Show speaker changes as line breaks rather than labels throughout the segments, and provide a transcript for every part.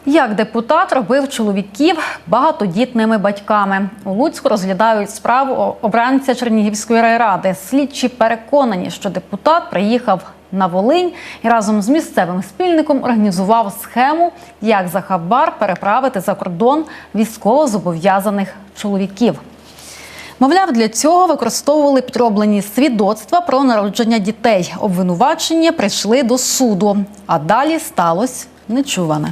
Як депутат робив чоловіків багатодітними батьками. У Луцьку розглядають справу обранця Чернігівської райради. Слідчі переконані, що депутат приїхав на Волинь і разом з місцевим спільником організував схему, як за хабар переправити за кордон військовозобов'язаних чоловіків. Мовляв, для цього використовували підроблені свідоцтва про народження дітей. Обвинувачення прийшли до суду, а далі сталося нечуване.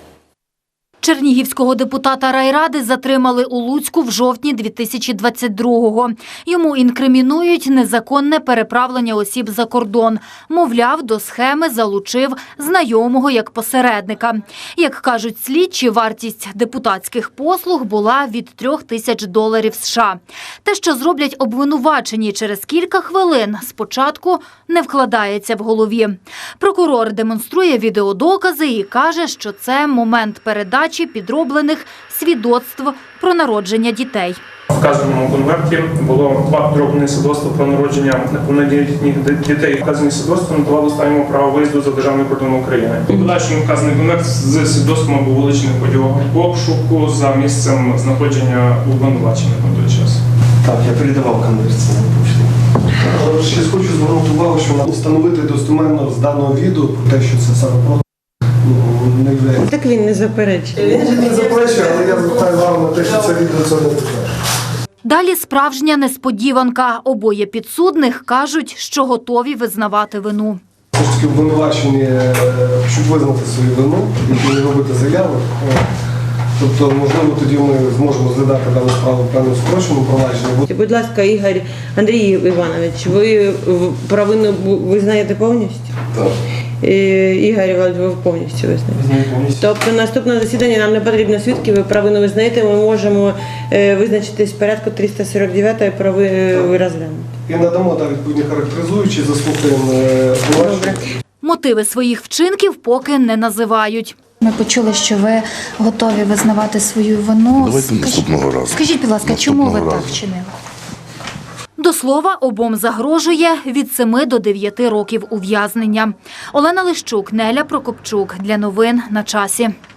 Чернігівського депутата райради затримали у Луцьку в жовтні 2022-го. Йому інкримінують незаконне переправлення осіб за кордон. Мовляв, до схеми залучив знайомого як посередника. Як кажуть слідчі, вартість депутатських послуг була від $3000 США. Те, що зроблять обвинувачені через кілька хвилин, спочатку не вкладається в голові. Прокурор демонструє відеодокази і каже, що це момент передачі підроблених свідоцтв про народження дітей.
В вказаному конверті було 2 підроблені свідоцтва про народження неповнолітніх дітей. Вказані свідоцтва надавали останньому право виїзду за державний кордон України. У подальшому вказаний конверт з свідоцтвом був вилучений в ході обшуку за місцем знаходження обвинувачених на той час.
Так, я передавав конверт на почту. Ще хочу звернути увагу, що встановити достеменно з даного відео про те, що це саме не являється.
Так він не заперечує.
Він не заперечує, але я звертаю увагу на те, що це відео це не підтверджує.
Далі справжня несподіванка. Обоє підсудних кажуть, що готові визнавати вину.
Все ж таки обвинувачені, щоб визнати свою вину, і не робити заяви. Тобто, можливо, тоді ми зможемо розглядати дану справу в певному скороченому провадженні.
Будь ласка, Ігор Андрій Іванович, ви провину визнаєте повністю?
Так.
Ігор Іванович, ви повністю визнаєте? Тобто наступне засідання нам не потрібно свідків, ви провину визнаєте, ми можемо визначитись в порядку 349-ї ви розглянути.
І надамо відповідні характеризуючі, заслухаємо обвинувачення.
Мотиви своїх вчинків поки не називають.
Ми почули, що ви готові визнавати свою вину.
Давайте наступного разу.
Скажіть, будь ласка, чому ви так вчинили?
До слова, обом загрожує від 7 до 9 років ув'язнення. Олена Лищук, Неля Прокопчук. Для новин на часі.